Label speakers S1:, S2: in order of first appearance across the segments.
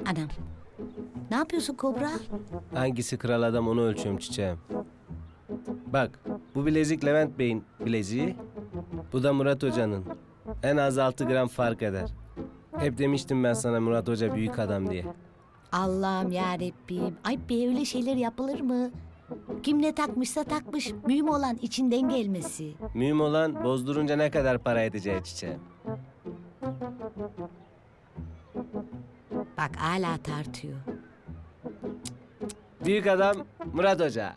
S1: Anam. Ne yapıyorsun Kobra?
S2: Hangisi kral adam onu ölçüyorum çiçeğim. Bak bu bilezik Levent Bey'in bileziği. Bu da Murat Hoca'nın. En az 6 gram fark eder. Hep demiştim ben sana Murat Hoca büyük adam diye.
S1: Allah'ım yarabbim. Ay be öyle şeyler yapılır mı? Kim ne takmışsa takmış. Mühim olan içinden gelmesi.
S2: Mühim olan bozdurunca ne kadar para edeceği çiçeğim.
S1: Bak hala tartıyor.
S2: Büyük adam Murat Hoca.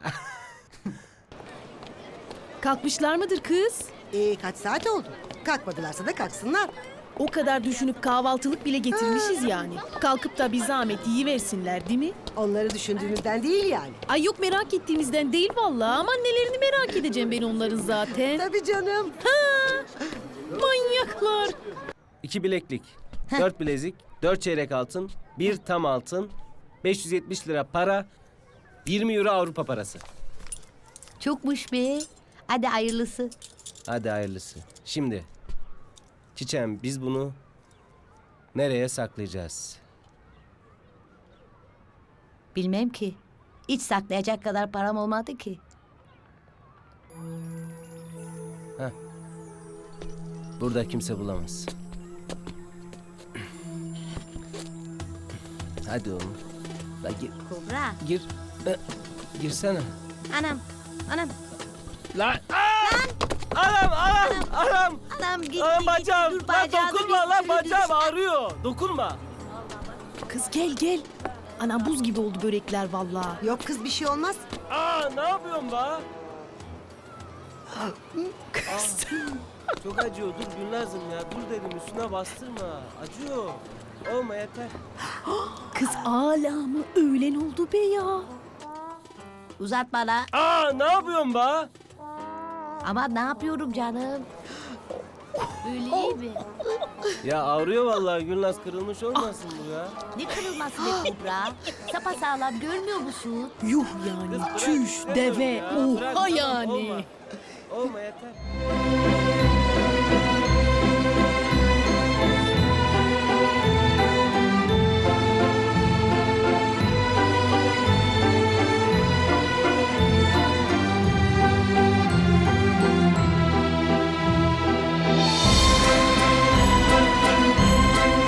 S3: Kalkmışlar mıdır kız?
S4: Kaç saat oldu? Kalkmadılarsa da kalksınlar.
S3: O kadar düşünüp kahvaltılık bile getirmişiz yani. Kalkıp da bir zahmet yiyiversinler değil mi?
S4: Onları düşündüğümüzden değil yani.
S3: Ay yok merak ettiğimizden değil vallahi ama annelerini merak edeceğim ben onların zaten.
S4: Tabii canım.
S3: Manyaklar.
S2: 2 bileklik, 4 bilezik, 4 çeyrek altın, 1 tam altın, 570 lira para, 20 euro Avrupa parası.
S1: Çokmuş be. Hadi hayırlısı.
S2: Hadi hayırlısı. Şimdi çiçeğim biz bunu nereye saklayacağız?
S1: Bilmem ki. Hiç saklayacak kadar param olmadı ki.
S2: Burada kimse bulamaz. Hadi oğlum. La gir.
S1: Kobra.
S2: Gir. Girsene.
S1: Anam. Anam.
S2: Lan. Anam.
S1: Anam gitti.
S2: Anam bacağım.
S1: Dur,
S2: Lan
S1: bacağını
S2: dokunma
S1: bir
S2: lan
S1: sürü
S2: bacağım
S1: düş-
S2: ağrıyor. Dokunma.
S3: Kız gel. Anam buz gibi oldu börekler vallahi.
S4: Yok kız bir şey olmaz.
S2: Ne yapıyorsun be?
S3: Kız.
S2: Çok acıyor. Dur Gülnaz'ım ya. Dur dedim üstüne bastırma. Acıyor. Olma yeter.
S3: Kız hala mı? Öğlen oldu be ya.
S1: Uzat bana.
S2: Ne yapıyorsun be?
S1: Ama ne yapıyorum canım? Böyle iyi mi?
S2: Ya ağrıyor vallahi Gülnaz kırılmış olmasın bu ya.
S1: Ne kırılması be Kobra? Sapasağlam görmüyor musun?
S3: Yuh
S2: Kız
S3: yani.
S2: bırak
S3: Çüş,
S2: istemiyorum
S3: deve,
S2: ya. Bırak,
S3: oha
S2: tamam,
S3: yani.
S2: Olma yeter.